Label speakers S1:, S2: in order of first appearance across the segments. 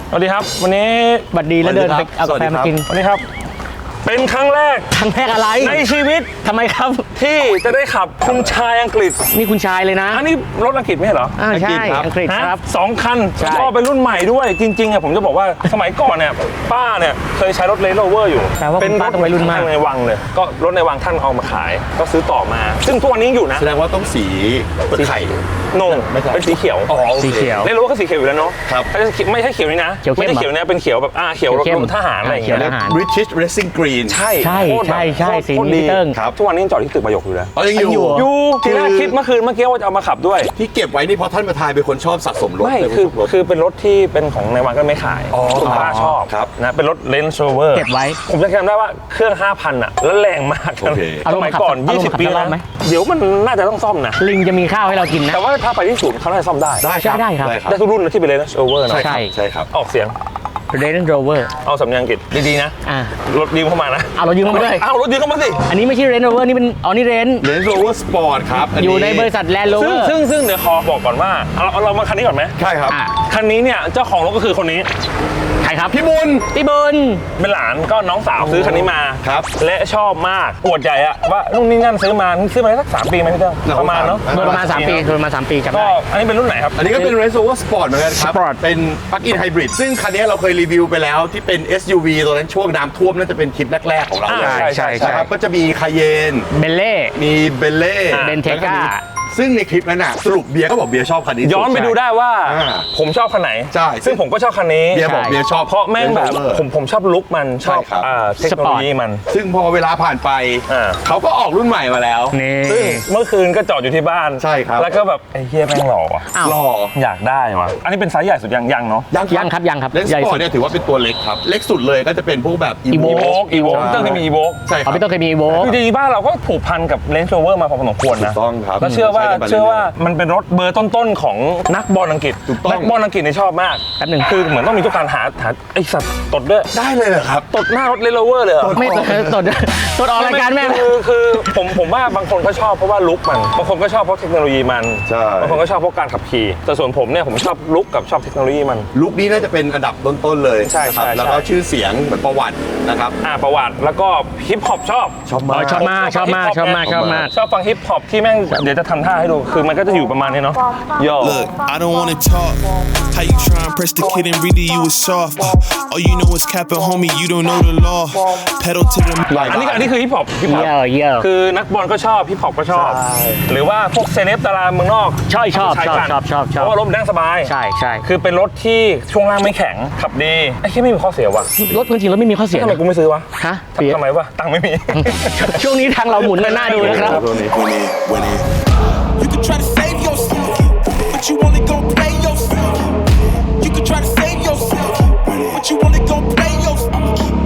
S1: สวัสดีครับวันนี้
S2: บัดดีแล้วเดินไปเอากาแฟมากิน
S1: สวัสดีครับเป็นครั้งแรก
S2: ครั้งแรกอะไร
S1: ในชีวิต
S2: ทำไมครับ
S1: ที่จะได้ขับคุณชายอังกฤษ
S2: นี่คุณชายเลยนะ
S1: อันนี้รถอังกฤษไม่ใช่เหรอ
S2: ใช่อังกฤษครับ
S1: 2 คัน
S2: ใช่
S1: ก็เป็นรุ่นใหม่ด้วยจริงๆผมจะบอกว่าสมัยก่อนเนี่ยป้าเนี่ยเคยใช้รถ Range Rover อยู่
S2: เป็นรถวัยรุ่นมาก
S1: ในวังเลยก็รถในวังท่านเอามาขายก็ซื้อต่อมาซึ่งทุกวันนี้อยู่นะ
S3: แสดงว่าต้องสีเปลือกไข่
S1: นงเป็นสีเขียว
S2: สีเขียว
S1: Range Rover ก็สีเขียวอยู่แล้วเนาะ
S3: ครับ
S1: ไม่ใช่เขียวนี่นะไม่ใช่เขียวเนี่ยเป็นเขียวแบบเขียวรถทหารอะไรอย่างเงี้ย
S3: British Racing Green
S1: ใช่
S2: ใช่สี
S1: โคตรดี
S2: เติ้ง
S3: ครับ
S1: ทุกวันนี้ยังจอดที่ตึกประโยคอยู่เลย
S3: ยังอยู่
S1: ทีแรกคิดเมื่อคืนเมื่อกี้ว่าจะเอามาขับด้วย
S3: ที่เก็บไว้นี่เพราะท่านประธานเป็นคนชอบสะสมรถ
S1: ไม่
S3: เป็นน
S1: คือ
S3: ชบรถ
S1: คือเป็นรถที่เป็นของในวังก็ไม่ขายคุณป้าชอบ
S3: ครับ
S1: นะเป็นรถ Range Rover
S2: เก็บไว้
S1: ผมจะจำได้ว่าเครื่อง 5,000 อ่ะแล้วแรงมาก
S3: โอเค
S1: สมัยก่อน
S2: เอาลงมาขับ
S1: 20 ปี
S2: สักร
S1: แล้
S2: อ
S1: ว
S2: บไหม
S1: เดี๋ยวมันน่าจะต้องซ่อมนะ
S2: ลิงจะมีข้าวให้เรากินนะ
S1: แต่ว่าถ้าไปที่ศูนย์เขาน่าจะซ่อมได้
S3: ได้ครับ
S2: ได้ครับ
S1: ได้ทุกรุ่นนะที่เป็น Range Rover นะ
S2: ใช่
S3: ใช่ครับ
S1: ออกเสียง
S2: Range Rover
S1: เอาสำเนียงอังกฤษดีๆนะ รถยืมเข้ามานะ
S2: เอาเรายืมเข้ามาด้วย
S1: เอารถยืมเข้ามาสิ
S2: อันนี้ไม่ใช่ Range Rover นี่เป็นนี่ Range
S3: Range Rover Sport ครับน
S2: อ
S3: นี้
S2: ยู่ในบริษัท Land
S1: ซึ่ง
S2: Rover
S1: ซึ่งเดี๋ยวขอบอกก่อนว่าเรามาคันนี้ก่อนไหม
S3: ใช่ครับ
S1: คันนี้เนี่ยเจ้าของรถก็คือคนนี้
S2: ใครครับ
S3: พี่บุญ
S2: พี่บุญ
S1: เป็นหลานก็น้องสาวซื้อคันนี้มา
S3: ครับ
S1: และชอบมากอวดใหญ่อะว่านู่นนี่นั่นซื้อมาได้สัก3 ปีไหมพี่เติ้งประมาณเนาะ
S2: โดยประมาณ3 ปีโดยประมาณ3 ปีจำ
S1: ก็
S2: ได้
S1: อันนี้เป็นรุ่นไหนครับ
S3: อันนี้ก็เป็น Range Rover Sport เหมือนกันครับ
S2: Sport
S3: เป็น Plug-in Hybrid ซึ่งคันนี้เราเคยรีวิวไปแล้วที่เป็น SUV ตัวนั้นช่วงน้ำท่วมน่าจะเป็นคลิปแรกๆของเราเลย
S1: ใช่
S3: นะครับก็จะมีคาเยน
S2: เบลเล่
S3: มีเบลเล่
S2: เบนเทก้า
S3: ซึ่งในคลิปนั้นน่ะสรุปเบียร์ก็บอกเบียร์ชอบคันนี้
S1: ย้อนไปดูได้ว่า
S3: อ่า
S1: ผมชอบคันไหน
S3: ใช่
S1: ซึ่งผมก็ชอบคันนี้
S3: เบียร์บอกเบียร์ชอบ
S1: เพราะแม่งแบบ
S3: Range Rover
S1: ผมชอบลุคมันชอบ
S3: ใช่ครับ
S1: เทคโนโลยีมัน
S3: ซึ่งพอเวลาผ่านไป
S1: อ่า
S3: เขาก็ออกรุ่นใหม่มาแล้ว
S2: นี่
S1: ซึ่งเมื่อคืนก็จอดอยู่ที่บ้าน
S3: ใช่ครับ
S1: แล้วก็แบบไอ้เฮียแม่งหล่อว่ะ
S2: อ้าว
S3: หล่อ
S1: อยากได้ว่ะอันนี้เป็นไซส์ใหญ่สุดยังเนาะ
S2: ยังครับ
S3: เลนส์
S2: ใหญ่
S3: สปอ
S2: สุ
S3: ร์
S2: ด
S3: ตเนี่ยถือว่าเป็นตัวเล็กครับ เล็กสุดเลยก็จะเป็นพวกแบบ
S2: Evoque
S1: อีโวเติ้งที่มีอีโว
S3: ใช่ค
S2: เอา
S3: รับ
S2: พี่ต้องเคยมีโว
S1: จริงๆบ้านเราก็ผูกพันกับ Range Rover มาพอสมควร
S3: ถู
S1: นะ
S3: กต้องครับ
S1: แล้วเชื่อว่า
S3: ใกันไปรื่ยๆ
S1: มันเป็นรถเบอร์ต้นๆของนักบอลอังกฤษ
S3: ถูกต้อง
S1: นักบอลอังกฤษนี่ชอบมาก
S2: แป๊บหนึ่ง
S1: คือเหมือนต้องมีทุกการหาไอสัตว์ตดด้วย
S3: ได้เลยเหรอครับ
S1: ตดหน้ารถ Range Rover เลยเหรอ
S2: ไม่ตดออกรายการแม่
S1: คือผมว่าบางคนเขาชอบเพราะว่าลุคมันบางคนก็ชอบเพราะเทคโนโลยีมัน
S3: ใช่
S1: บางคนก็ชอบเพราะการขับขี่แต่ส่วนผมเนี่ยผมชอบลุคกับชอบเทคโนโลยีมัน
S3: ลุคนี้น่าจะเป็นอันดับต้นๆเลย
S1: ใช่
S3: นะครับ
S1: ใช่
S3: แล้วก็ชื่อเสียงเหมือนประวัตินะครับ
S1: ประวัติแล้วก็ฮิปฮอปชอบ
S3: ชอบมาก
S2: ชอบมากชอบมาก
S1: ชอบฟังฮิปฮอปที่แม่งเดี๋ยวจะทำท่าให้ดูคือมันก็จะอยู่ประมาณนี้เนาะโย่
S4: Look, I don't wanna talk. How you try and press the kid and really you was soft. All you know is capping, homie. You don't know the law. Pedal to the
S1: อันนี้คือฮิปฮอป
S2: เยี่ยม
S1: คือนักบอลก็ชอบฮิปฮอปก็ชอบ หรือว่าพวกเซเลบดาราเมืองนอก
S2: ชอบ
S1: ใช้กัน
S2: ชอบ
S1: เพราะว่ารถมันนั่งสบาย
S2: ใช่
S1: คือเป็นรถที่ช่วงล่างไม่แข็งขับดีไอ้ที่ไม่มีข้อเสียว่ะ
S2: รถจริงๆแล้วไม่มีข้อเสีย
S1: ทำไมกูไม่ซื้อวะ
S2: ฮะเปีย
S1: ทำไมวะตังค์ไม่มี
S2: ช่วงนี้ทางเราหมุนกันหน้าดูนะครับ
S4: winning. You can try to save yourself, but you only gon' play yourself. You can try to save yourself, but you only gon' play yourself.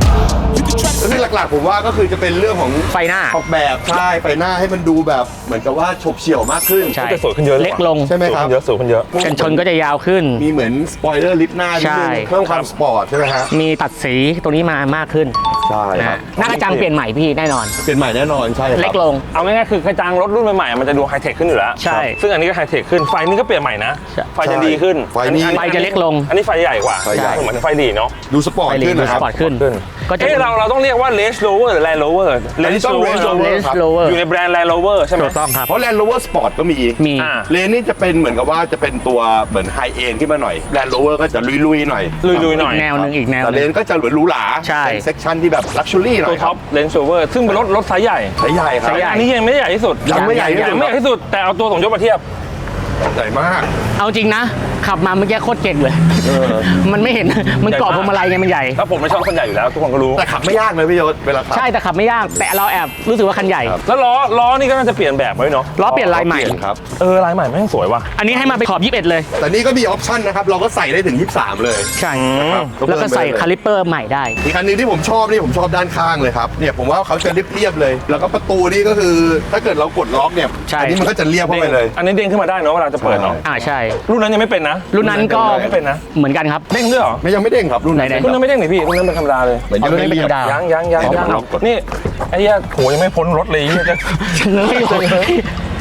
S4: You can try to
S3: ก็คือหลักๆผมว่าก็คือจะเป็นเรื่องของ
S2: ไฟหน้า
S3: ออกแบบใช่ไฟหน้าให้มันดูแบบเหมือนกับว่าฉบเฉี่ยวมากขึ้น
S2: ใช่
S1: จะสวยขึ้นเยอะ
S2: เล็กลง
S3: ใช่ไหมครับ
S1: สูงขึ้นเยอะ
S2: กันชนก็จะยาวขึ้น
S3: มีเหมือนสปอยเลอร์ลิฟต์หน้านิดนึง
S2: ใช่
S3: เพิ่มความสปอร์ตใช่ไหมฮะ
S2: มีตัดสีตัวนี้มากขึ้น
S3: ใช่ครับ
S2: หน้ากระจังเปลี่ยนใหม่พี่แน่นอน
S3: เป็นใหม่แน่นอนใช่ครับ
S2: เล็กลง
S1: เอาง่ายๆคือกระจังรถรุ่นใหม่ๆมันจะดูไฮเทคขึ้นอยู่แล้ว
S2: ใช่
S1: ซึ่งอันนี้ก็ไฮเทคขึ้นไฟนี่ก็เปลี่ยนใหม่นะ
S2: ใช่
S1: ไฟจะดีขึ้น
S3: ไฟนี่
S2: ไฟจะเล็กลง
S1: อันนี้ไฟใหญ่กว่า
S3: ไฟใหญ่
S1: เหมือนไฟดีเนาะ
S3: ดูสปอร์ต
S2: ไฟลี
S3: ขึ้น
S2: ดู
S3: นะค
S2: ส
S3: รับ
S2: ปอร์ตขึ้น ก็จะ
S1: เราต้องเรียกว่า Range Rover หรือ Land Rover
S3: อันนี้ต้อง Range Rover
S2: Range Rover
S1: อยู่ในแบรนด์ Land Rover ใช่ไหม
S2: ถูกต้องครับ
S3: เพราะ Land Rover Sport ก็มี
S2: มี
S1: อ่า
S3: เลนนี่จะเป็นเหมือนกับว่าจะเป็นตัวเหมือนไฮเอ็นขึ้นมาหน่อย Land Rover ก็จะลุยๆหน่อย
S1: ลุยๆหน่อย
S2: แนวหนึ่งอีกแนวห
S3: แต่เล
S2: นึ่ง
S3: นก็จะหรูหรา
S2: ใช่
S3: เป็นเซกชันที่แบบลักชัวรี่หน่
S1: ตั
S3: อ
S1: วย
S3: ค
S1: ท็
S3: รั
S1: อบ ป Range Rover ซึ่งเป็นรถไซส์ใหญ่
S3: ใช้ใหญ่ครับ
S2: ใช้ใหญ่
S1: อันนี้ยังไม่ได้ใหญ่ที่สุด
S3: ยังไม่ใหญ่ที่สุด
S1: ยังไม่ใหญ่ที่สุด แต่เอาตัวสองยกมาเทียบ
S3: ใหญ่มาก
S2: เอาจริงนะ ขับมาเมื่อกี้โคตรเก่งเลย มันไม่เห็น มันเกาะพวงมาลัยไงมันใหญ่
S1: แล้วผมไม่ชอบคนใหญ่อยู่แล้วทุกคนก็รู้
S3: แต่ขับไม่ยากเลยพี่ยศเวลาขับ
S2: ใช่แต่ขับไม่ยาก แต่เราแอบรู้สึกว่าคันใหญ่
S1: แล้วล้อนี่ก็น่าจะเปลี่ยนแบบไว้เนาะ
S2: ล้อเปลี่ยนลายใหม่
S3: เปลี่ยนครับ
S1: ลายใหม่แม่งสวยว่ะ
S2: อันนี้ให้มาไปขอบ21เลย
S3: แต่นี่ก็มีออปชั่นนะครับ เราก็ใส่ได้ถึง 23 เลย
S2: ใช่
S3: นะครับ
S2: แล้วก็ใส่คาลิปเปอร์ใหม่ได้
S3: อีกคันหนึงที่ผมชอบนี่ผมชอบด้านข้างเลยครับเนี่ยผมว่าเขาจะเรียบๆเลย แล้วก็ประตูนี่ก็คือถ้าเกิดเรากดล็อกเนี่ย
S2: ใช่
S3: อันี้มันก็จะเรียบเข้าไปเลย
S1: อันนี้เด้งขึ้นมาได้เนาะเวลาจะเปิดเนาะ
S2: ใช่
S1: รุ่นนั้นยังไม่เป็นนะ
S2: รุ่นนั้นก็
S1: ไม่เป็นนะ
S2: เหมือนกันครับ
S1: เด้งด้วยเหรอ
S3: ไม่ยังไม่เด้งครับรุ่นนั้น
S2: ไหนๆ
S1: รุ่นนั้นไม่เด้งหนิพี่รุ่นนั้นเป็นธรรมดาเลย
S3: เหมือนยัง
S2: เอารุ่นนี้
S3: ไม่
S2: เป็น
S3: เรียบ
S2: ธรรมดา
S1: ยัง
S3: เอากด
S1: นี่ไอ้เหี้ยโหยังไม่พ้นรถเลยเปิดดิ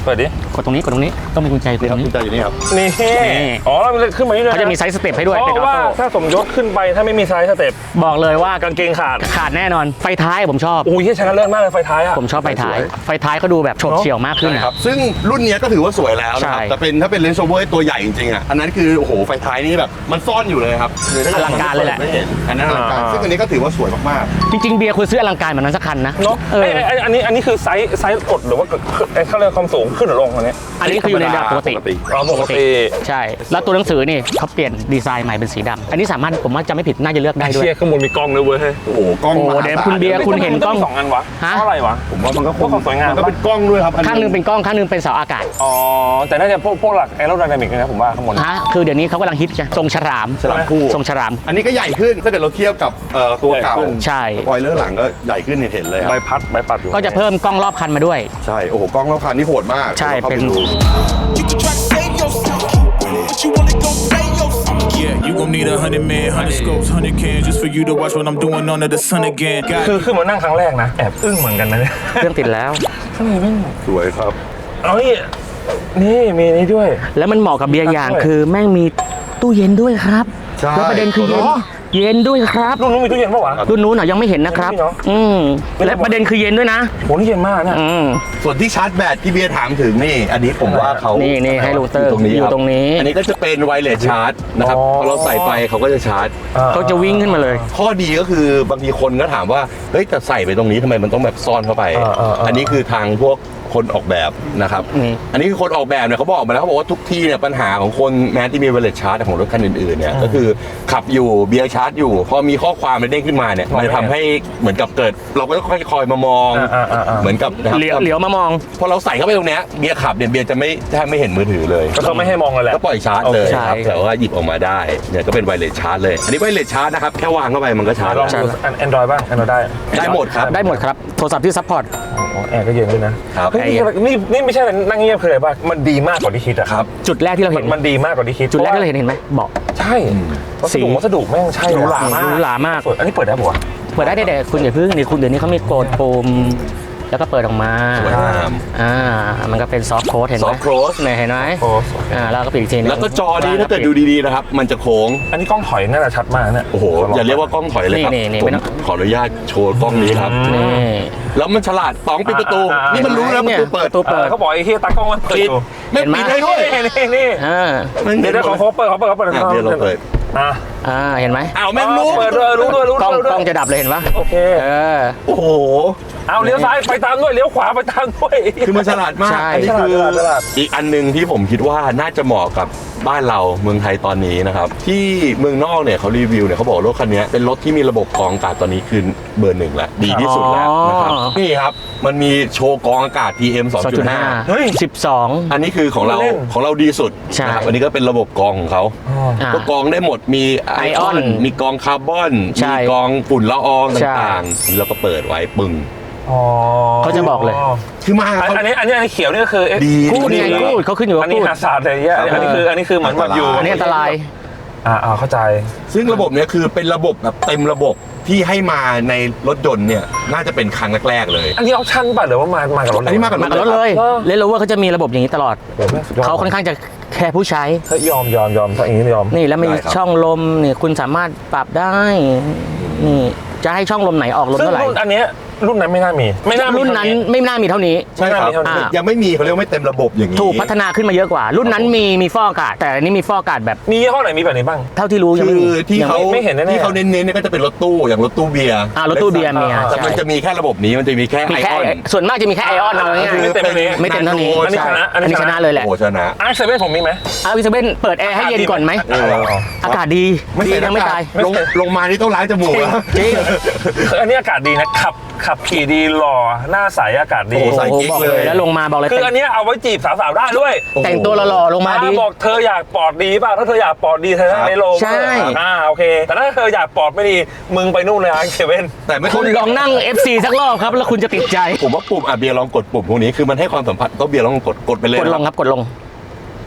S2: กดตรงนี้ต้องมีกุญแจกด
S3: นี่
S2: ต
S3: ค
S2: ร
S3: รับ
S2: งนี้
S3: กุญแจอยู่นี่ครับ
S1: นี่
S2: นี่
S1: อ๋อแล้วมันขึ้นมานี่ด้วยน
S2: เขาจะมีไซส์สเต็ปให้ด้วย
S1: เพ
S2: เป็นอ
S1: ราะ
S2: อ
S1: ว่า
S2: โต้
S1: ถ้าสมยศขึ้นไปถ้าไม่มีไซส์สเต็ป
S2: บอกเลยว่าก
S1: างเกงขาด
S2: ขาดแน่นอนไฟท้ายผมชอบ
S1: โอ้ยชนะเลิศมากเลยไฟท้ายอ่ะ
S2: ผมชอบไฟท้าย
S3: สวย
S2: ไฟท้ายเขาดูแบบโฉบเฉี่ยวมากขึ้น
S3: ใช่
S2: อะ
S3: ครับซึ่งรุ่นเนี้ยก็ถือว่าสวยแล้วนะครับ
S2: ใช่
S3: แต่เป็นถ้าเป็นเลนส์โซเวอร์ตัวใหญ่จริงๆอ่ะอันนั้นคือโอ้โหไฟท้ายนี่แบบมันซ่อนอยู่เลยครับ
S2: อลังการเลยแหละ
S3: ไม่เห็นอันนั้นอลังการซึ่งอันนี้ก็ถือว่าสวยมาก
S2: จริงๆเบียร์ควรซื้ออลังการแบบนั้นสักคันนะ
S1: เนาะ
S2: เออ
S1: อันนี้คือไซส์กดหรือว่าเขาเรียกความสูงขึ้นหรือลงอันนี้
S2: อันนี้คืออยู่ในระดับปกติ
S1: อ๋อปกติ
S2: ใช่ แล้วตัวหนังสือนี่เขาเปลี่ยนดีไซน์ใหม่เป็นสีดำอันนี้สามารถผมว่าจะไม่ผิดน่าจะเลือกได้ด้วย
S1: เชียร์ข้างบนมีกล้องด้วยเว้ย
S3: ๆโอ้โหกล้อง
S2: โอ้
S3: มหา
S2: เดี๋ยว
S3: ศาล
S2: คุณเบียร์ คุณเห็นกล้อง
S1: มัมี2 อันวะ
S2: ฮะ
S1: เพราะอะไรวะ
S3: ผมว่ามันก็คง
S1: ความสวยงาม
S3: มันก็เป็นกล้องด้วยครับอั
S2: ข้างหนึงเป็นกล้องข้างหนึงเป็นเสาอากาศ
S1: อ๋อแต่น่าจะพวกหลักแอโรไดนามิกนะผมว่าข้างบน
S2: ฮะคือเดี๋ยวนี้เขากำลังฮิตจะทรงฉลาม
S3: ฉลามคู่
S2: ทรงฉลาม
S3: อันนี้ก็ใหญ่ขึ้นถ้าเกิดเราเทียบกับตัวเก่า
S1: ใหญ่ขึ้น
S2: ใช่
S3: สปอยเลอร์หลังก็ใหญ่ขึ้นเห็นเลยค
S1: ใบ
S3: รับ
S1: พัดอยู่
S2: ก็จะเพิ่มกล้องรอบคันมาด้วย
S3: ใช่โอ้โหกล้องรอบคันนี่โหดมาก
S2: ใช่
S3: ดี๋ยวราข้า
S2: เป็น
S3: ดู
S4: You can try to save yourself, but you only gon' play yourself. Yeah, you gon' need 100 men, 100 scopes, 100 cans just for you to watch what I'm doing under the sun again. Got
S1: คือมานั่งครั้งแรกนะแอบอึ้งเหมือนกันนะเนี่ย
S2: เครื่องติดแล้ว
S1: ข้างในแม่ง
S3: สวยครับ
S1: เอานี่มีนี่ด้วย
S2: แล้วมันเหมาะกับเบียร์อย่างคือแม่งมีตู้เย็นด้วยครับ
S3: ใช่
S2: แล้วประเด็นคือเย็น
S1: เหรอ
S2: เย็นด้วยครับ
S1: รุ่นนู้นมีตู้เย็นปะวะ
S2: รุ่นนู้นยังไม่เห็นนะครับ
S1: ไม่มีเนอะ
S2: และประเด็นคือเย็นด้วยนะ
S1: โหนี่เย็นมากเนี่ย
S3: ส่วนที่ชาร์จแบตที่เบียร์ถามถึงนี่ อันนี้ผมว่าเขา
S2: นี่
S3: นี่
S2: ให้ลูเตอร์
S3: ตรงนี้
S2: อยู่
S3: คบ
S2: ตรงนี้
S3: อันนี้ก็จะเป็นไวเลสชาร์จนะครับพอเราใส่ไปเขาก็จะชาร์จ
S2: เขาจะวิ่งขึ้นมาเลย
S3: ข้อดีก็คือบางทีคนก็ถามว่าเฮ้ยแต่ใส่ไปตรงนี้ทำไมมันต้องแบบซ่อนเข้าไป อันนี้คือทางพวกคนออกแบบนะครับ
S2: นี่
S3: อันนี้คือคนออกแบบเนี่ยเขาบอกมาแล้วเขาบอกว่าทุกที่เนี่ยปัญหาของคนแม้ที่มีไวเลสชาร์จของรถคันอื่นๆเนี่ยก็คือขับอยู่เบียร์ชาร์จอยู่ พอมีข้อความมันเด้งขึ้นมาเนี่ยมันจะทำให้เหมือนกับเกิด เราก็ต้องคอยมามองเหมือนกับนะครับ
S2: เหลียวมามอง
S3: พอเราใส่เข้าไปตรงเนี้ยเบียร์ขับเนี่ยเบียร์จะไม่เห็นมือถือเลย
S1: ก็เขาไม่ให้มองเลยแหละ
S3: ก็ปล่อยชาร์จเลย
S2: ใช่
S3: ครับแต่ว่าหยิบออกมาได้เนี่ยก็เป็นไวเลสชาร์จเลยอันนี้ไวเลสชาร์จนะครับแค่วางเข้าไปมันก็ชาร์จ
S1: ลอง
S3: แล้ว
S1: ดูแอนดรอยบ้างแอนดรอยได้
S3: ได้หมดครับ
S2: ได้หมดครับ โทรศัพท์ที่ซัพพอร์ต
S1: แอร์ก็เย็นด้วยนะครับ เฮ้ยนี่ไม่ใช่นั่งเงียบคืออะไรป่ะมันดีมากกว่าที่คิดอะ
S3: ครับ
S2: จุดแรกที่เราเห็น
S1: มันดีมากกว่าที่คิด
S2: จุดแรกที่เราเห็นไหมเบาะ
S1: ใช่วัสดุแม่งใช่
S2: หรูหรามาก
S1: อันนี้เปิดได้ปะวะ
S2: เปิดได้แต่คุณอย่าเพิ่งนี่คุณเดี๋ยวนี้เขามีโกดปุ่มแล้วก็เปิดออกมา
S3: สวยงาม
S2: มันก็เป็นซอฟต์โค้ดเห็นไหม
S3: soft close
S2: เนี่ยเห็นไหม
S1: โอ้
S2: แล้วก็ปิดอีกทีนึง
S3: แล้วก็จอนี้ถ้าเกิดดูดีๆนะครับมันจะโค้ง
S1: อันนี้กล้องถอยน่าจะชัดมากเนี่ย
S3: โอ้โหอย่าเรียกว่ากล้องถอยเลยครับ
S2: นี่
S3: ผม
S2: ไม่ต้อง
S3: ขออนุญาตโชว์กล้องนี้ครับ
S2: นี่
S3: แล้วมันฉลาดต้องปิดประตูนี่มันรู้แล้วประตูเปิด
S2: ประตูเปิด
S1: เขาบอกไอ้ที่ตากล้องมันเปิด
S3: ปิด
S1: อยู่
S3: ไม่
S2: เห็นไหม
S3: ปิดได้ด้วย
S1: นี่
S2: อ่า
S1: เดี๋ยวเขาเปิด
S3: อ่ะเดี๋ยวเราเปิด
S2: เห็นไหม
S3: อ้าวแม่งรู้
S1: เปิดด้วยรู้ด้วย
S2: กล้องจะดับเลยเห็นปะ
S1: โอเค
S3: โอ้โห
S1: เอาเลี้ยวซ้ายไปตามด้วยเลี้ยวขวาไปตามด้วย
S3: คือมันฉลาดมาก
S2: ใช่
S3: อันนี้คือ
S1: ฉลาด
S3: อีกอันหนึ่งที่ผมคิดว่าน่าจะเหมาะกับบ้านเราเมืองไทยตอนนี้นะครับที่เมืองนอกเนี่ยเขารีวิวเนี่ยเขาบอกรถคันนี้เป็นรถที่มีระบบกรองอากาศตอนนี้คือเบอร์ 1แล้วดีที่สุดแล้วนะครับนี่ครับมันมีโชว์กรองอากาศ PM 2.5
S1: เฮ้ย
S2: 12
S3: อันนี้คือของเรา
S1: เล่น
S3: ของเราดีสุด
S2: ใช่
S3: นะครับอันนี้ก็เป็นระบบกรองของเขา ก็กรองได้หมดมีไอออน
S2: Ion
S3: มีกรองคาร์บอน
S2: ใช่
S3: มีกรองฝุ่นละออง
S2: ใช่
S3: ต่างๆนี่เราก็เปิดไว้ปึ้ง
S2: เขาจะบอกเลย
S3: คือมาเขา
S1: อันนี้เขียวนี่ก็คือ
S3: ดี
S2: กูดไงกูดเขาขึ้นอยู่กับ
S1: อันนี้
S2: กูด
S1: หาศาสตร์อะไรเงี้ยอันนี้คือเหมือนแบบอยู่
S2: อันนี้อันตราย
S1: เข้าใจ
S3: ซึ่งระบบเนี้ยคือเป็นระบบแบบเต็มระบบที่ให้มาในรถยนต์เนี่ยน่าจะเป็นครั้งแรกๆเลย
S1: อันนี้ออปชั่นป่ะหรือว่ามากับรถ
S3: อันนี้มากับ
S2: มากับรถเลยเลนโรเวอร์เขาจะมีระบบอย่างนี้ตลอด เขาค่อนข้างจะแคร์ผู้ใช้
S1: ถ้ายอมถ้าอย่างนี้ยอม
S2: นี่แล้วมีช่องลมนี่คุณสามารถปรับได้ นี่จะให้ช่องลมไหนออกลม
S1: ซึ่ง
S2: เท่าไหร่
S1: รุ่นอันเนี้ยรุ่นนั้นไม่น่ามี
S2: รุ่นนั้นไม่น่ามีเท่านี้
S3: ใช่ครับ
S1: ไม่น่ามีเท่านี้
S3: ยังไม่มีเขาเรียกว่าไม่เต็มระบบอย่างนี้
S2: ถูกพัฒนาขึ้นมาเยอะกว่า รุ่นนั้นมีฟอกอากาศแต่อันนี้มีฟอกอากาศแบบ
S1: มียี่ห้อไหนมีแบบนี้บ้าง
S2: เท่าที่รู้ยัง
S3: คื
S2: ไม่
S3: อ
S2: มี
S3: ที่เขา
S1: ไม่เห็นแน่ๆ
S3: ที่เขาเน้นๆเนี่ยก็จะเป็นรถตู้อย่างรถตู้เบียร์
S2: รถตู้เบียร์มี
S3: แต่มันจะมีแค่ระบบนี้มันจะมีแค่
S2: มี
S3: ไอ
S2: แค่
S3: ออน
S2: ส่วนมากจะมีแค่ไอออนเอาง่าย
S1: ไม่เต็มอันนี้
S2: ไม่เต็มเท่านี้
S1: อันนี้ชนะ
S2: อันนี้ชนะเลยแหละ
S3: โอ้ชนะ
S1: ไอซ์เซเว่นผมมีไหม
S2: วิสเบนเปิดแอร์ให้เย็นก่อนไหมอากาศดีดียังไม่ตาย
S3: ลงมานี่ต้องล้างจมูกแล้ว
S2: จริง
S1: อันนี้อากาศดีนะขับขี่ดีหล่อหน้าใสอากาศดี
S3: โอ้ใส่
S2: โอ้โหบอกเลยแล้วลงมาบอกเลย
S1: คืออันนี้เอาไว้จีบสาวๆได้ด้วย
S2: แต่งตัวหล่อๆลงมาดี
S1: บอกเธออยากปอดดีป่ะถ้าเธออยากปอดดีเธอนั่งในโรง
S2: ใช่
S1: โอเค แต่ถ้าเธออยากปอดไม่ดีมึงไปนู่นเลยไอซ์เซเว่น
S3: แต่ไม่
S2: คุณลองนั่ง FC สักรอบครับแล้วคุณจะติดใจ
S3: ผมว่าปุ่มเบียร์ลองกดปุ่มพวกนี้คือมันให้ความสัมผัสก็เบียร์ลองกดไปเลย
S2: กดลงครับกดลง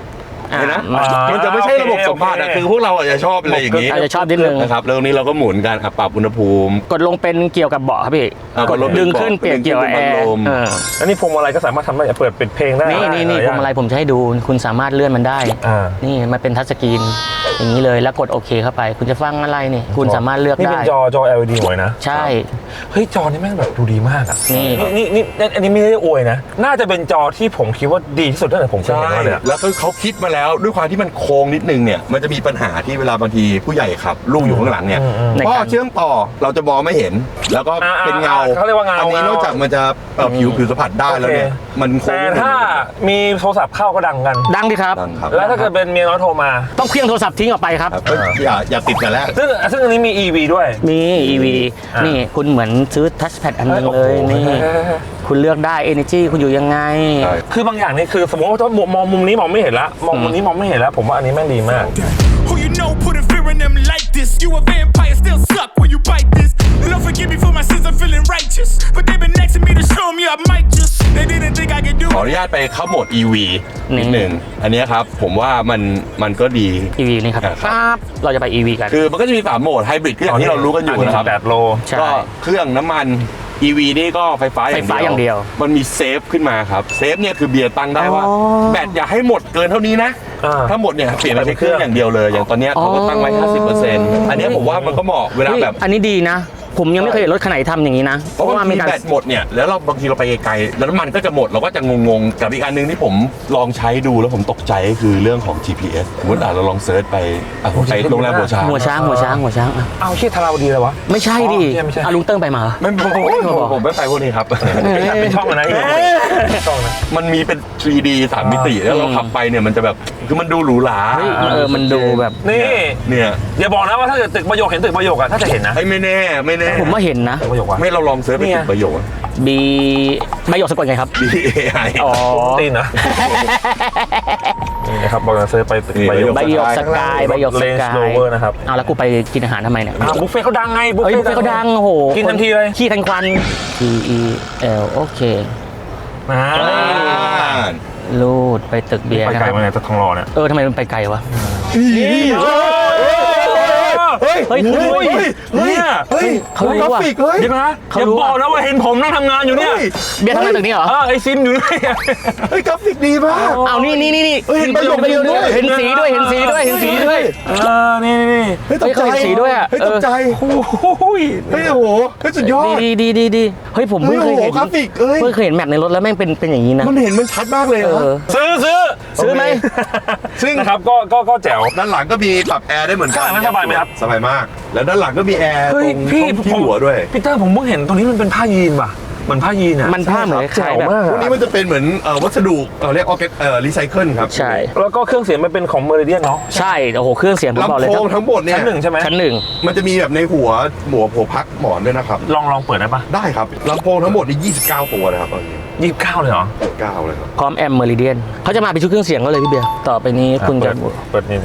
S3: เห็นไหม
S2: อ่า
S3: มันจะไม่ใช่ระบบสัมผัสอะคือพวกเราอาจจะชอบอะไรอย่างนี้
S2: อาจจะชอบนิดนึง
S3: นะครับแล้วตรงนี้เราก็หมุนกันปรับอุณหภูมิ
S2: กดลงเป็นเกี่ยวกับเบาะครับพี่ กดดึงขึ้นเปลี่ยนเกี่ยวกับแอร์
S1: แล้วนี่พวงมาลัยก็สามารถทำได้เปิดปิดเพลงได้
S2: นี่พวงมาลัยผมจะให้ดูคุณสามารถเลื่อนมันได้ นี่มันเป็นทัชสกรีนอย่างนี้เลยแล้วกดโอเคเข้าไป คุณจะฟังอะไรนี่คุณสามารถเลือก
S1: นี่
S2: ได้
S1: เป็นจอ LED หมดนะ
S2: ใช่
S1: เฮ้ยจอนี่แม่งแบบดูดีมากอ่ะ
S2: นี่
S1: นี่อันนี้ไม่ได้อวยนะน่าจะเป็นจอที่ผมคิดว่าดีที่สุดตั้งแต่ผมเคย
S3: ใช่
S1: เห็นมาเลยอะ
S3: แล้วก็เขาคิดมาแล้วด้วยความที่มันโค้งนิดนึงเนี่ยมันจะมีปัญหาที่เวลาบางทีผู้ใหญ่ขับลูกอยู่ข้างหลังเนี่ย
S2: ใน
S3: พ่อ
S2: การ
S3: เชื่อมต่อเราจะมองไม่เห็น แล้วก็เป็นเงา
S1: เขาเรียกว่าเงา
S3: อันนี้นอกจากมันจะผิวสัมผัสได้แล้วเนี่ยมันโค้
S1: แต่
S3: ง
S1: ถ้ามีโทรศัพท์เข้าก็ดังกัน
S2: ดังดิครับ
S3: ดังครับ
S1: แล้วถ้าเกิดเป็นเมียน้อยโทรมา
S2: ต้องเครื่องโทรศัพท์ทิ้งออกไปครับ
S3: ครับอย่าติดกันแล้ว
S1: ซึ่งอันนี้มี EV ด้วย
S2: มี EV
S1: อ่ะ
S2: นี่คุณเหมือนซื้อทัชแพดอันนึงเลย
S1: โอ้โห
S2: นี่ คุณเลือกได้ Energy คุณอยู่ยังไง
S3: ใช่
S1: คือบางอย่างนี่คือสมมติว่าถ้ามองมุมนี้มองไม่เห็นละมองมุมนี้มองไม่เห็นแล้วผมว่าอันนี้แม่งดีมาก
S4: Who you know putting fear in them like this? You a vampire, still suck when you bite this. Lord forgive me for my sins, I'm feeling righteous. But they been next to me to show me I might just. They didn't think I could do
S3: ขออนุ
S4: it.
S3: ญาตไปเข้าโหมด EV
S2: นี่
S3: นิดหนึ่งอันเนี้ยครับผมว่ามันก็ดี
S2: EV นี่ครับ
S3: ครับ
S2: ปั๊บเราจะไป EV กัน
S3: คือมันก็จะมี3โหมดไฮบริดก็อย่างที่เรารู้กันอยู่นะครับ
S1: 8 โล
S2: ใช่
S3: ก็เครื่องน้ำมัน EV นี่ก็ไฟฟ้า
S2: ไฟฟ้าอย่างเดียว
S3: มันมีเซฟขึ้นมาครับเซฟเนี่ยคือเบียร์ตั้งได้ว่า
S2: อ๋อ
S3: แบตอย่าให้หมดเกินเท่านี้นะ ถ้าหมดเนี่ยเปลี่ยนไปใช้เครื่องอย่างเดียวเลย อย่างตอนเนี้ยเขาก็ตั้งไว้ 50%อันเนี้ยผมว่ามันก็เหมาะเวลา
S2: เฮ้ย
S3: แบบ
S2: อันนี้ดีนะ ผมยังไม่เคยเห็นรถคันไหนทำอย่างนี้นะ
S3: เพราะว่า
S2: มี
S3: มี
S2: การ
S3: แบตหมดเนี่ยแล้วเราบางทีเราไปไกลๆแล้วน้ำมันก็จะหมดเราก็จะงงๆกับอีกอันนึงที่ผมลองใช้ดูแล้วผมตกใจก็คือเรื่องของ GPS สมมติเราลองเซิร์ชไปไปโรงแรมหัวช้าง
S2: หัวช้างอ่ะ
S1: เอาชื่อธาราวดีเลยวะ
S2: ไม่ใช่ดิ
S1: อ๋อไม่ใช่
S2: ลุงเติ้งไปมาเหรอ
S3: ไม่ผมไม่ไปพวกนี้ครับ
S1: เป็นช่องอะนะช่องนะ
S3: มันมีเป็น 3D 3 มิติแล้วเราขับไปเนี่ยมันจะแบบคือมันดูหรูหรา
S2: เฮ้ยมันดูแบบ
S1: นี่
S3: เนี่ย
S1: อย่าบอกนะว่าถ้าเกิดตึกประโยคเห็นตึกประโยคอะถ้าจะเห็นนะ
S3: เฮ้ยไม่แน่ไม่แน่
S2: ผมว่าเห็นนะ
S1: ตึกประโยคว่ะ
S3: ไม่เราลองเซิร์ชไป
S1: เนี่ย
S3: ถึงประโยชน์
S2: B ประโยคสะกดไงครับ
S3: BAI
S2: อ๋อ
S1: ตีนนะนี่นะครับบอกจะซื้อไปตึกประโยค
S2: ใบหยกสกายใบหยกส
S1: เลน
S2: กา
S1: ส์โร
S2: ย
S1: เวอร์นะครับ
S2: เอาแล้วกูไปกินอาหารทำไมเนี่ย
S1: บุฟเฟ่เขาดังไง
S2: เฮ้ยบุฟเฟ่ต์เขาดังโอ้โห
S1: กินทันทีเลย
S2: ขี้ทันควัน T E L โอเค
S1: อ่า
S2: ลูดไปตึกเบียร์
S1: ไป
S2: นะ
S1: ไกล
S2: ครับ
S1: มาเนี่ยจะทองหล่อเนี่ย
S2: ทำไมมันไปไกลวะ
S3: เฮ้ย
S2: เฮ้ยคุณรู้
S3: เฮ้ย
S2: เขารู้
S3: กรา
S2: ว่ะ
S3: ฟิกเฮ้ย
S1: เดี๋ยวนะ
S2: เขา
S1: อย่า
S2: รู้
S1: บอกนะว่าเห็นผมนั่งทำงานอยู่เนี่ย
S2: เบียร์ทำงานตึกนี้เหรอ
S1: ไอซิมอยู่ด้วย
S3: เฮ้ยกราฟิกดีมาก
S2: เอานี่
S3: เฮ้ยเห็นประโยคด้วย
S2: เห็นสีด้วย เห็นสีด้วย เห็นสีด้วย
S1: นี่
S3: เฮ้ยตกใจ
S2: เฮ้ยเขาเห็นสีด้วยอะ
S3: เฮ้ยตกใจ
S1: โอ้ย
S3: เฮ้ยโอ้โหเฮ้ยสุดยอด
S2: ดีเฮ้ยผมเพิ่งเคยเห็น
S3: เฮ้ยโอ้โหกราฟิกเอ้ย
S2: เพิ่งเคยเห็นแมปในรถแล้วแม่งเป็นอย่างนี้นะ
S3: มันเห็นมันชัดมากเลย
S2: เอ
S3: นะ
S2: อ
S1: ซื้อไหม
S3: ซึ่ง
S1: นะครับก็แจ๋ว
S3: ด้านหลังก็มีปรับแอร์ได้เหมือนกัน
S1: ข้างหลังสบายไหมครับ
S3: สบายมาก แล้วด้านหลังก็มีแอร์ต
S1: เฮ้
S3: ร
S1: ย
S3: ง
S1: พี่
S3: ที่หัวด้วย
S1: พีเตอร์ผมเพิ่งเห็นตรงนี้มันเป็นผ้ายีนว่ะเหมือนผ้ายีนอ่ะ
S2: มันผ้าเหมือนคล้ายๆแบบ
S3: พวกนี้มันจะเป็นเหมือนวัสดุเรียกออร์แกรีไซเคิลครับ
S2: ใช่
S1: แล้วก็เครื่องเสียงมันเป็นของเมอริเดียนเนาะ
S2: ใช่โอ้โหเครื่องเสียงผมบอก
S3: ลำ
S2: เลย
S3: โพงทั้งหมดเนี่ย
S1: ชั้นหนึ่งใช่ไหม
S2: ชั้นหนึ่ง
S3: มันจะมีแบบในหัวพักหมอนด้วยนะครับ
S1: ลองเปิดได้ปะ
S3: ได้ครับลำโพงทั้งหมดนี่29 ตัวนะครับตอนนี้
S1: 29เลยเหรอ
S3: 29เลยครับ
S2: พร้อมแอมเมอริเดียนเขาจะมาเป็นชุดเครื่องเสียงก็เลยพี่เบียร์ต่อไปนี้คุณจะ
S1: เปิดนี่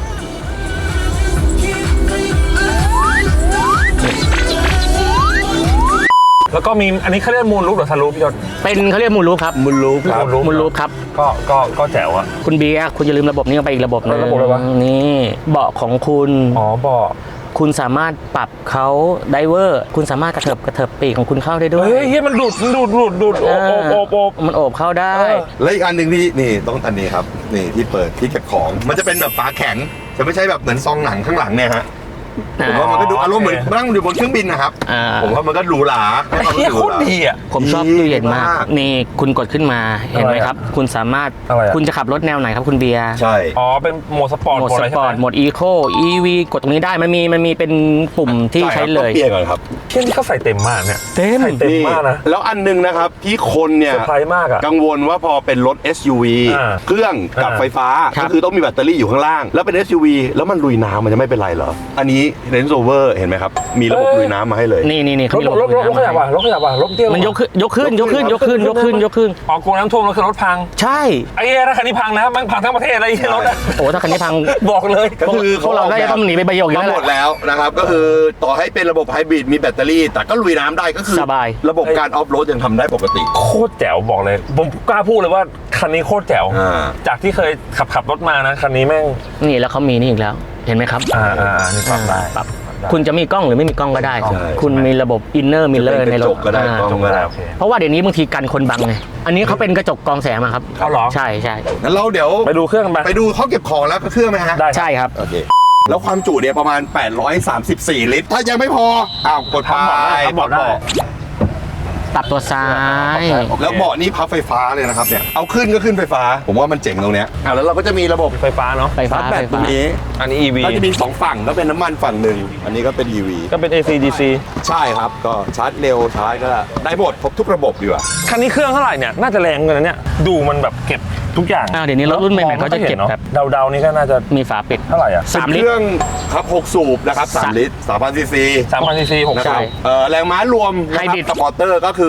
S1: แล้วก็มีอันนี้เขาเรียกมูลรูปหรือทะลุพี่ยศ
S2: เป็นเขาเรียกมูลรูปครับ
S3: มุนลูครับ
S2: มูลรูปครับ
S1: ก็แจ๋วอะ
S2: คุณเบียร์คุณอย่าลืมระบบนี้ไปอีกระบบหนึง
S1: ระบบอะไรวะ
S2: นี่เบาะของคุณ
S1: อ๋อบอก
S2: คุณสามารถปรับเขาไดเวอร์ คุณสามารถกระเถิบปีกของคุณเข้าได้ด้วย
S1: เฮ้ยมันดูดโอบ
S2: มันโอบเข้าได้
S3: และอีกอันหนึ่งที่นี่ต้องอันนี้ครับนี่ที่เปิดที่เก็บของ มันจะเป็นแบบฝาแข็งจะไม่ใช่แบบเหมือนซองหนังข้างหลังเนี่ยฮะผมว่ามันก็ดูอารมณ์เหมือนนั่งอยู่บนเครื่องบินนะครับ
S2: อ่า
S3: ผมว่ามันก็หรูหราให้ความรู้
S1: เฮีย
S3: สึกห
S1: โค
S3: รู
S1: ต
S3: ห
S1: ร
S3: รา
S1: ดีอะ
S2: ผมชอบตู้เย็นมาก
S3: มาก
S2: นี่คุณกดขึ้นมาเห็นไหมครับ คุณสามารถ
S1: อะไรอะ
S2: คุณจะขับรถแนวไหนครับคุณเบียร์
S3: ใช่
S1: อ๋อเป็นโหมดสปอร์ต
S2: โหมด
S1: โหมด
S2: ส
S1: อะไร
S2: ปอร์ต
S1: ใช่ไหม
S2: โหมดอีโค EV กดตรงนี้ได้มันมีเป็นปุ่มที่ใช้เลย
S3: ต้องเปลี่ยนก่อนครับ
S1: เที่ยนี่เขาใส่เต็มมากเนี่ย
S2: เต็ม
S1: ใส่เต็มมากนะ
S3: แล้วอันหนึงนะครับที่คนเนี่ย
S1: เซอร์ไพรส์มากอะ
S3: กังวลว่าพอเป็นรถ SUV
S1: อ่า
S3: เครื่องกับ
S1: อ่า
S3: ไฟฟ้า
S2: ครับ
S3: ก็คือต้องมีแบตเตอรี่อยู่ข้างล่าง แล้วเป็น SUV แล้วมันลุยน้ำมันจะไม่เป็นไรเหรอ อันนี้เรนโซเวอร์เห็นไหมครับมีระบบลุยน้ำมาให้เลย
S2: นี่เขามี
S1: รถขยับว่ะรถขยับว่ะรถเตี้ย
S2: มันยกขึ้น
S1: ออกกลัวน้ำท่วมแล้วคือรถพัง
S2: ใช่
S1: ไอ้ถ้าคันนี้พังนะมันพังทั้งประเทศอะไรรถอะ
S2: โอ้ถ้าคันนี้พัง
S1: บอกเลย
S3: ก็คือ
S2: พวกเราได้ต้องหนีไปประโยคอยู่
S3: ทั้
S2: แล้ว
S3: งหมดแล้วนะครับก็คือต่อให้เป็นระบบไฮบริดมีแบตเตอรี่ แต่ก็ลุยน้ำได้ก็คือ
S2: สบาย
S3: ระบบการออฟโรดยังทำได้ปกติ
S1: โคตรแจ๋วบอกเลยผมกล้าพูดเลยว่าคันนี้โคตรแจ๋ว จากที่เคยขับรถมานะคันนี้แม่ง
S2: นี่แล้วเขามีนี่อีกแล้วเห็นไหมครับ
S1: นี่ปรับได้
S2: ปรับคุณจะมีกล้องหรือไม่มีกล้องก็ได้
S3: ใช่
S2: คุณมีระบบอินเนอร์มิลเลอร์ในรถ
S3: กระจกก็ได้กล้องก็ได้
S1: โอเค
S2: เพราะว่าเดี๋ยวนี้บางทีกันคนบังไงอันนี้เขาเป็นกระจกกรองแสงมาครับ
S1: เอาเหรอ
S2: ใช่
S3: งั้นเราเดี๋ยว
S1: ไปดูเครื่องกัน
S3: ไปดูห้องเก็บของแล้วก็เครื่องไหมฮะ
S1: ได้
S2: ใช่ครับ
S3: โอเคแล้วความจุเนี่ยประมาณ 834 ลิตร ถ้ายังไม่พออ้าวกดไป
S1: ทำเบาะได้
S2: ปรับตัวซ้าย
S3: แล้วเบาะนี่พับไฟฟ้าเลยนะครับเนี่ยเอาขึ้นก็ขึ้นไฟฟ้า ผมว่ามันเจ๋งตรงเนี้ยแล้วเราก็จะมีระบบ
S1: ไฟฟ้าเนาะ
S2: ไฟฟ้า
S3: ชาร์จแบตตรงนี้
S1: อันนี้ EV
S3: ก็จะมี 2 ฝั่งก็เป็นน้ำมันฝั่งหนึ่งอันนี้ก็เป็น EV
S1: ก็เป็น AC DC
S3: ใช่ครับก็ชาร์จเร็วชาร์จก็ได้หมดครบทุกระบบดีกว่า
S1: คันนี้เครื่องเท่าไหร่เนี่ยน่าจะแรงเกินนะเนี่ยดูมันแบบเก็บทุกอย่าง
S2: เดี๋ยวนี้รถรุ่นใหม่ๆเขาจะเก็บแบบ
S1: เดาๆนี่ก็น่าจะ
S2: มีฝาปิด
S1: เท่าไหร่อ่ะ
S2: 3
S3: เป็น
S2: ลิ
S3: เค
S2: ตร
S3: รื่องครับ6สูบนะครับ3ลิตร3,000 ซีซี
S1: 3,000 cc 6
S3: นะค
S1: ใช่
S3: รับแรงม้ารวมนะค
S2: ไฮ
S3: รับบ
S2: ริด
S3: สปอร์เตอร์ก็คือ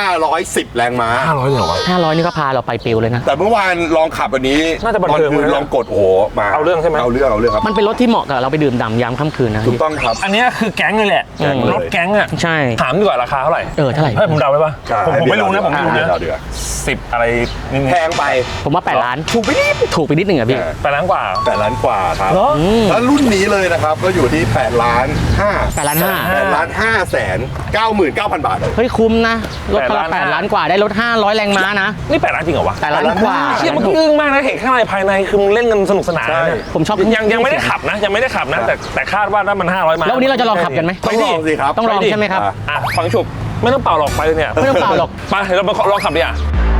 S3: 510 แรงม้า
S1: 500เลยเหรอวะ
S2: 500นี่ก็พาเราไปปิวเลยนะ
S3: แต่เมื่อวานลองขับอันนี้
S1: น่าจะบัน
S3: ตอน
S1: เทิง
S3: คืน
S1: เลยนะ
S3: ลองกดโอ้โหมา
S1: เอาเรื่องใช่ไหม
S3: เอาเรื่องครับ
S2: มันเป็นรถที่เหมาะกับเราไปดื่มด่ำยามค่ำคืนนะ
S3: ถูกต้องครับ
S1: อันเนี้ยคือแก๊งเลยแหละ
S3: แก๊งเลย
S1: รถแก๊งอ่ะ
S2: ใช่
S1: ถามดีกว่าราคาเท่าไหร่
S2: เท่าไหร่
S1: ให้ผมเดาได้ปะผมไม่รู้นะผมไม่รู้นะ
S3: เดือด
S1: 10 อะไรนิด
S3: แพงไป
S2: ผมว่า8ล้านถูกไปนิดหนึ่งอะพี่
S1: 8 ล้านกว่า
S3: 8 ล้านกว่าครับ
S1: เหรอ
S3: แล้วรุ่นนี้เลยนะครับก็อยู่ที่8 ล้าน5
S2: 8ล้านห้า
S3: 8ล้าน5แสน99,000 บาท
S2: เฮ้ยคุ้มนะรถคันละ
S1: 8
S2: 8ล้านกว่าได้รถ500 แรงม้านะ
S1: นี่8 ล้านจริงเหรอวะ
S2: 8ล้านกว่า
S1: เชี่ยมันอึ้งมากนะเห็นข้างในภายในคือมึงเล่นกันสนุกสนาน
S3: ใช่
S1: นะ
S2: ผมชอบ
S1: ยังไม่ได้ขับนะยังไม่ได้ขับนะแต่คาดว่าถ้ามัน500มา
S2: แล้ววันนี้เราจะลองขับกันไหม
S1: ไปดิ
S3: ต้องลองสิครับ
S2: ต้องลองใช่ไหมครับ
S1: ฟังฉุบไม่ต้องเป่าหรอกไปเลยเนี่ย
S2: ไม่ต้องเป่าหรอก
S1: ไปเดี๋ยวเราไปลองขับดิอ่ะ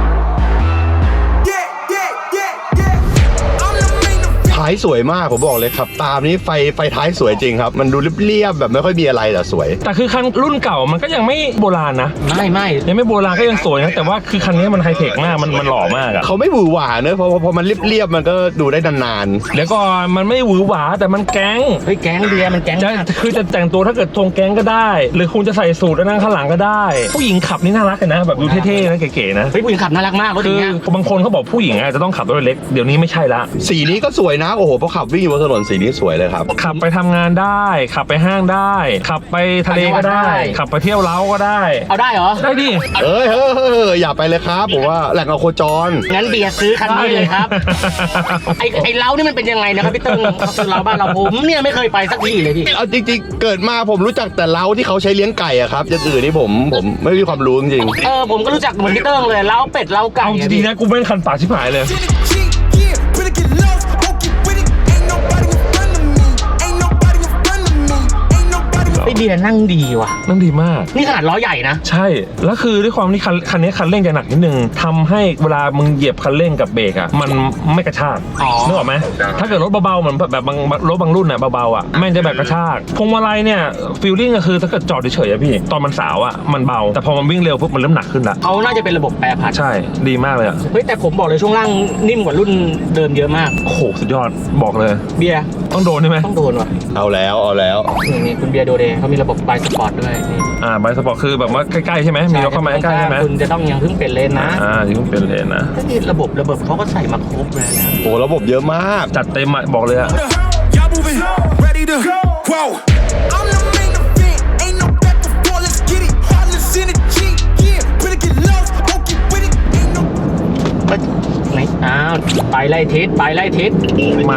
S4: I'm the main event.
S3: ท้ายสวยมากผมบอกเลยครับตามนี้ไฟท้ายสวยจริงครับ มันดูเรียบๆแบบไม่ค่อยมีอะไรแต่สวย
S1: แต่คือคันรุ่นเก่ามันก็ยังไม่โบราณนะ
S2: ไม่
S1: ยังไม่โบราณก็ยังสวยนะแต่ว่าคือคันนี้มันไฮเทคมากมันหล่อมากอะ
S3: เขาไม่หวือหวาเนอะพอมันเรียบๆมันก็ดูได้นาน
S1: เดี๋ยวก่อนมันไม่หวือหวาแต่มันแก๊ง
S2: เฮ้ยแก๊งเบียร์มันแก๊ง
S1: จะ
S2: มาก
S1: คือจะแต่งตัวถ้าเกิดทรงแก๊งก็ได้ หรือคุณจะใส่สูทแล้วนั่งข้างหลังก็ได้ ผู้หญิงขับนี่น่ารักกันนะ แบบดูเท่ๆนะเก๋ๆนะ
S2: เฮ้ยผู้หญิงขับน่ารักมากรถอ
S1: คื
S2: ย่าง
S1: อ
S2: เงี้ย
S1: บางคนเขาบอกผู้หญิงจะต้องขับรถเล็กเดี๋ยวนี้ไม่ใช่ละ
S3: ๆสีนี้ก็สวยนะโอ้โหพอขับวิ่งอยู่บนถนนสีนี้สวยเลยครับ
S1: ขับไปทำงานได้ ขับไปห้างได้ ขับไปทะเลก็ได้ ขับไปเที่ยวเล้าก็ได้
S2: เอาได้เหรอ
S1: ได้ดิ
S3: เฮ้ยอย่าไปเลยครับผมว่าแหล่งเอาโคจร
S2: งั้นเบียร์ซื้อคันนี้เลยครับ ไอ้เล้านี่มันเป็นยังไงนะครับพี่ตึ้งคือเล้าบ้านเราผมเนี่ยไม่เคยไปสักทีเลยพี่
S3: เอาจริงๆเกิดมาผมรู้จักแต่เล้าที่เขาใช้เลี้ยงไก่อะครับอย่างอื่นนี่ผมไม่มีความรู้จริง
S2: ผมก็รู้จักเหมือนพี่เติ้งเลยเล้าเป็ดเล้าไก่
S1: เอาดีๆนะกูไม่คันปากชิบหายเลย
S4: Yeah, better get lost, won't get with it. Ain't nobody in front of me. Ain't nobody in front of me. Ain't nobody.
S2: ไอ้เบียร์นั่งดีว่ะ
S1: นั่นดีมาก
S2: นี่ขนาดล้อใหญ่นะ
S1: ใช่ แล้วคือด้วยความที่คันนี้คันเร่งจะหนักนิดนึงทำให้เวลามึงเหยียบคันเร่งกับเบรกอ่ะมันไม่กระชาก
S2: อ๋อ
S1: นึกออกไหมถ้าเกิดรถเบาๆเหมือนแบบรถบางรุ่นอ่ะเบาๆอ่ะแม่งจะแบบกระชากพวงมาลัยเนี่ยฟีลลิ่งก็คือถ้าเกิดจอดเฉยๆอะพี่ตอนมันสาวอ่ะมันเบาแต่พอมันวิ่งเร็วปุ๊บมันเริ่มหนักขึ้นละ
S2: เขาน่าจะเป็นระบบแปรผัน
S1: ใช่ดีมากเลยอ่ะ
S2: เฮ้ยแต่ผมบอกเลยช่วงล่างนิ่มกว่ารุ่นเดิมเยอะมาก
S1: โอ้โหสุดยอดบอกเลย
S2: เบียร์
S1: ต้องโดนใช่ไหม
S2: ต้องโดนว่ะ
S3: ๆ เอาแล้ว
S2: นี่คุณเบียร์โดเดเขามีระบบไบสปอร์ตด้วยนี่
S1: ไบสปอร์ตคือแบบว่าใกล้ๆใช่ไหมมีรถเข้ามาใกล้ๆใช่ไหม
S2: คุณจะต้องยังเพิ่งเปลี่ยนเลนนะ
S1: ที่เพิ่งเป็นเลนนะ
S2: ก็นี่ระบบเขาก็ใส่มาครบเลยนะ
S3: โอ้ระบบเยอะมาก
S1: จัดเต็มอะบอกเลยอะ
S4: Y'all moving, ready to whoa. I'm the main event, ain't no back and forth, let's get it. Heartless in the G, yeah. Better get lost, won't get with it. Ain't no.
S2: ไหนอ้าวไปไล่ทิศไปไล่ทิศ
S1: มา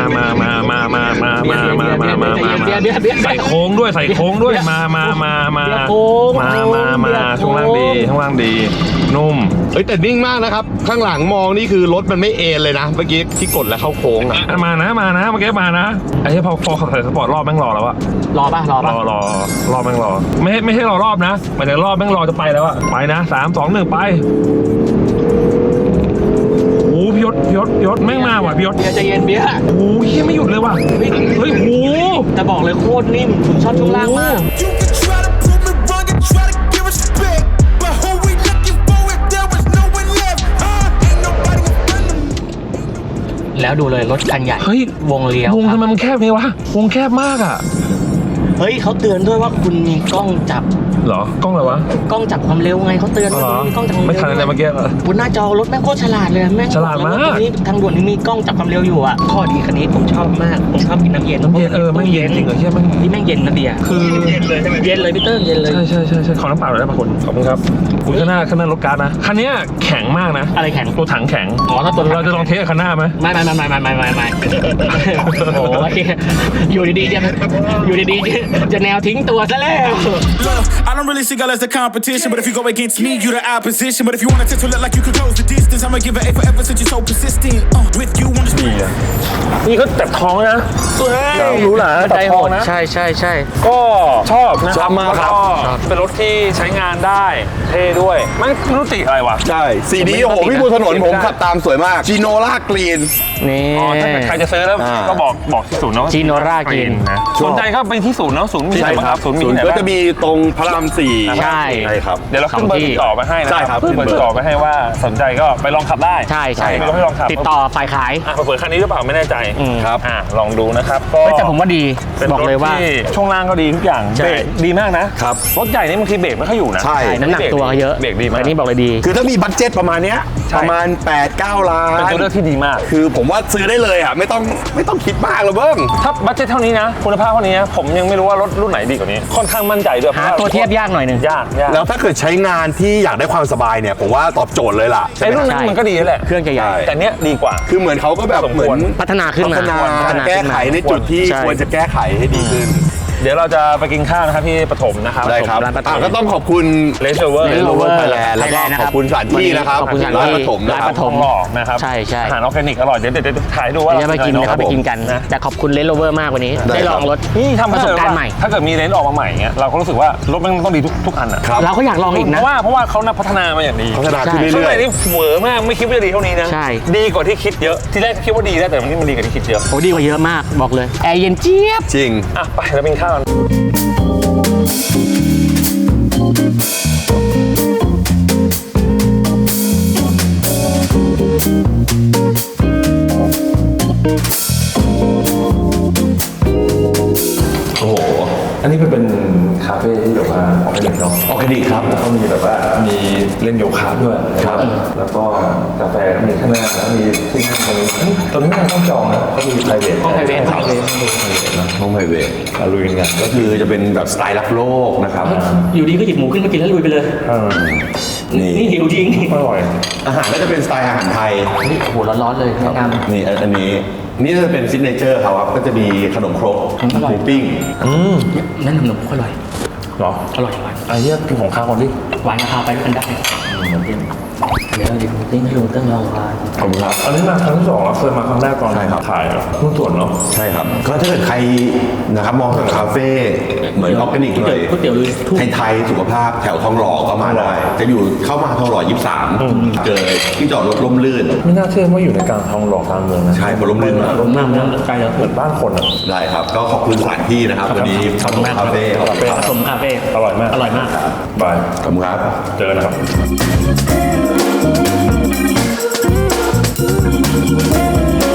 S1: ใส่โค้งด้วยใส่โค้งด้วยมาช่วงล่างดีนุ่ม
S3: เฮ้ยแต่นิ่งมากนะครับ ข้างหลังมองนี่คือรถมันไม่เอ็นเลยนะ เมื่อกี้ที่กดแล้วเข้าโค้งอะ
S1: มานะเมื่อกี้มานะไอ้ที่พอขับใส่สปอร์ตรอบแม่งรอแล้วอะ
S2: รอป่ะ
S1: รอบแม่งรอไม่ใช่รอรอบนะหมายถึงรอบแม่งรอจะไปแล้วอะไปนะ3 2 1ไปโอ้พี่ยศแม่งมาว่ะพี่ยศ
S2: เบียร์ใจเย็นเบียร์
S1: โอ้ยไม่หยุดเลยว่ะเฮ้ยโห
S2: แต่บอกเลยโคตรนิ่มผมชอบช่วงล่างมาก
S4: You can try to prove me wrong and try to give respect. But who we looking for if there was no one left? Ain't nobody in front of me.
S2: แล้วดูเลยรถคันใหญ่
S1: เฮ้ย
S2: วงเลี้ยว
S1: วง
S2: ค
S1: ทำ
S2: รับ
S1: ไมมันแคบนี้วะวงแคบมากอะ
S2: เฮ้ยเขาเตือนด้วยว่าคุณมีกล้องจับ
S1: เหรอกล้องอะไรวะ
S2: กล้องจับความเร็วไงเขาเตือน
S1: อ๋อ
S2: ว่า
S1: เหรอ
S2: มีกล้องจับความ
S1: ไม่
S2: เร็ว
S1: ทันอะไรเมื่อกี้เหรอบ
S2: นหน้าจอรถแม่งโคตรฉลาดเลยแม่ง
S1: ฉลาดมาก
S2: บอกเลยว่ตรงนี้ทางด่วนนี่มีกล้องจับความเร็วอยู่อ่ะข้อดีคันนี้ผมชอบมากผมชอบกินน้ำเย็น
S1: น้ำเย็นแม่งเย็นจริงเหรอเชี่ยแม่ง
S2: ที่แม่งเย็นนะเบียร์
S1: คือ
S2: เย็นเลยพี่เติ้งเย็นเลย
S1: ใช่ขอน้ำเปล่าหน่อยได้ป่ะคุณขอบคุณครับคุณข้างหน้ารถการ์ดนะคันเนี้ยแข็งมากนะ
S2: อะไรแข็ง
S1: ตัวถังแข็ง
S2: อ๋อถ้าตัวถัง
S1: เราจะลองเทสกับคันหน้าไหม
S2: ไม่โอ้ยอยู่ดีๆจะแนวทิ้งตัวซะแล้ว
S4: Look, I don't really see God as the competition, but if you go against me, you the opposition. But if you want to to look like you could close the distance, I'ma give it A forever since you're so persistent. With you on the street.
S1: นี่ก็จับท้องนะรู้หรอ
S2: ใจ
S1: จับ
S2: โห
S1: ท้อง
S2: ด
S1: นะ
S2: ใช่
S1: ก็ชอบนะ
S3: ชอบมากครับ
S1: แล้วก็เป็นรถที่ใช้งานได้เท่ด้วยไม่รู้ติอะไรวะ
S3: ใช่สีนี้โอ้โหพี่บนถนนผมขับตามสวยมากจีโนล่ากรีน
S2: นี่
S1: อ๋อถ้าเกิดใครจะซื้อแล้ว
S3: อ่า
S1: ก็บอกที่ศูนย์เนาะ
S2: Ginora Green
S1: นะสนใจก็ไปที่ศูนย์เนาะศูนย์มี
S3: ใช่
S1: ไหนบ้าง
S3: ค
S1: ค
S3: รั
S1: รั
S3: บบ
S1: ศูนย์มี
S3: ศูน
S1: ไหน
S3: ย์ก็
S1: บ้าง
S3: จะมีตรงพระราม4
S2: ใช่
S3: ใช่ครับ
S1: เดี๋ยวเราขึ้นเบอร์ติดต่อไปให้นะ
S3: ใช่ครับ
S1: ขึ้นเบอร์ติดต่อไปให้ว่าสนใจก็ไปลองขับได้
S2: ใช่
S1: มีรถให้ลองขับ
S2: ติดต่อฝ่ายขาย
S1: เปิดคันนี้หรือเปล่าไม่แน่ใจ
S3: ครับ
S1: ลองดูนะครับก็
S2: แต่ผมว่าดี
S1: เป็น
S2: บอกเลยว่า
S1: รถที่ช่วงล่างก็ดีทุกอย่าง
S2: ใช่
S1: เบรกดีมากนะครับ รถใหญ่นี่บางทีเบรกไม่ค่อยอยู่นะ
S3: ใช่
S2: น้ำหนักตัวเยอะ
S1: เบรกดีมาก
S2: แต่นี่บอกเลยดี
S3: คือถ้ามีบัตเจ็ตประมาณเนี้ย
S1: ใช่
S3: ประมาณ 8-9 ล้าน
S1: เป็นตัวเลือกที่ดีมาก
S3: คือผมว่าซื้อได้เลยอ่ะไม่ต้องคิดมากเลยเบิ้ม
S1: ถ้าบัตเจ็ตเท่านี้นะคุณภาพเท่านี้นะผมยังไม่รู้ว่ารถรุ่นไหนดีกว่านี้ ค่อนข้างมั่นใจด้วย
S2: หาตัวเทียบยากหน่อยหนึ่ง
S1: ยาก
S3: แล้วถ้าเกิดใช้งานที่อยากได้ความสบายเนี่ยผมว่าตอบโจทย์เลยล่ะ
S1: ไอ้รุ่นนั้นมันก็ดีแหละ
S2: เครื่องจะใหญ่
S1: แต่เนี้ยดีกว่า
S3: คือเหมือนเขาก็แบบ
S1: สมควร
S3: เหมือน
S2: พัฒนาขึ้นมา
S3: พัฒนาแก้ไขในจุดที่
S2: ใช่
S3: ควรจะแก้ไขให้ดีขึ้น
S1: เดี๋ยวเราจะไปกินข้าวนะครับที่ปฐมนะครับ
S3: ได้ครับ
S2: ร้านปฐม
S3: ก็ต้องขอบคุณ
S1: เลสเวอร์
S2: Range
S3: โร
S2: Rover
S3: เวอร์ไทยแลนด์แล้วก็
S2: Thailand นะครับ
S3: ขอบคุณสถานที่นะครับ
S2: ขอบคุณสถานที่
S3: ร้านปฐมนะ
S2: ร้าน
S3: ค
S2: ป
S3: รับ
S2: ฐม
S1: หล่อนะครับ
S2: ใช่
S1: อาหารออร์แกนิกอร่อยเดี๋ยวถ่ายดูว่า
S2: เดี๋ยวจะไปกินนะครับ
S1: ผม
S2: ไปกินกัน
S1: นะ
S2: แต่ขอบคุณเลนโรเวอร์มากวันนี้
S3: ได้
S2: ได้ลองรถ
S1: นี่ทำ
S2: ประสบการณ์ใหม่
S1: ถ้าเกิดมีเลนส์ออกมาใหม่เงี้ยเราก็รู้สึกว่ารถมันต้องดีทุกอันอ่ะ
S3: ครับ
S2: เราก็อยากลองอีก
S1: เพ
S2: นะ
S1: ราะว่าเขาพัฒนามาอย่างดี
S3: พัฒนาขึ้น
S2: ใช่
S1: ข้าง
S3: เรื่
S1: ใน
S3: อย
S1: นี่เหวอมากไม่คิดว่าจะดีเท่านี้นะ
S2: ใช่
S1: ดีกว่าที่คิดเยอะที่แรกคิดว่าดีแล้วแต่วันนี้มันดีกว่าที่คิดเยอะ
S2: โอ้ดีกว่าเยอะมากบอกเลยแอร์เย็นเจี๊ยบ
S3: ๆจริง
S1: อ่ะไปเราไปกินข้าวกัน โอ้โห อันนี้เป็นคาเฟ่ที่แบบว่าออร์แกนิกเนาะ
S3: ออร์แกนิกครับ
S1: แล้วก็มีแบบว่ามีเล่นโยคะด้วยครับแล้วก็กาแฟก็มีข้างหน้าแล้วมีที่นั่งตรงนี้ตรงนี้ไม่ต้องจองนะเขามี private
S2: ห้อง private
S1: ครับ
S3: ห้องไพรเวท
S1: ลุยกัน
S3: ก็คือจะเป็นแบบสไตล์รักโลกนะครับ
S2: อยู่ดีก็หยิบหมูขึ้นมากินแล้วลุยไปเลย
S3: นี่
S2: นี่หิวจริง
S1: อร่อย
S3: อาหารก็จะเป็นสไตล์อาหารไทย
S2: นี่โอ้โหร้อนๆเลยแนะนำ
S3: นี่อันนี้นี่จะเป็นซิกเนเจอร์เขาครับก็จะมีขนมครก
S2: อร่อย
S3: หมูปิ้ง
S2: แนะนำหนุ่มอร่อย
S1: เหรอ
S2: อร่อยหวาน
S1: ไอ้เหี้ยกินของข้าวก่อนดิ
S2: หวานกับข้าวไปด้วยกันได้เดี๋ยวดิติ้งให้ลุงเติ้งลองทาน
S3: ขอบคุณครับ
S1: อันนี้มาครั้งที่สองแล้วเคยมาครั้งแรกตอน
S3: ใช่ครับ
S1: ถ่ายหุ้นส่วนเนาะ
S3: ใช่ครับ ก็ถ้าเกิดใครนะครับมองหาคาเฟ่เหมือนออร์แกนิกเลย
S2: ก๋วยเตี๋ยวลุยทุ่ง
S3: ไทยๆสุขภาพแถวทองหล่อก็มาได้ จะอยู่เข้ามาทองหล่อ 23 เจอที่จอดรถร่มรื่น
S1: ไม่น่าเชื่อว่าอยู่ในกลางทองหล่อกลางเมืองนะ
S3: ใช่บนร่มรื่นมาก
S2: รถมากนะไกลแล้ว
S1: เหมือนบ้านคนอ่ะ
S3: ได้ครับ ก็ขอบคุณสถานที่นะครับวันนี้ขอบคุณคาเฟ่ขอบคุณครับ
S2: ผสมคาเฟ่
S1: อร่อยมาก
S2: อร่อยมาก
S1: บาย
S3: ขอบคุณครับ
S1: เจอกันนะครับ
S4: Thank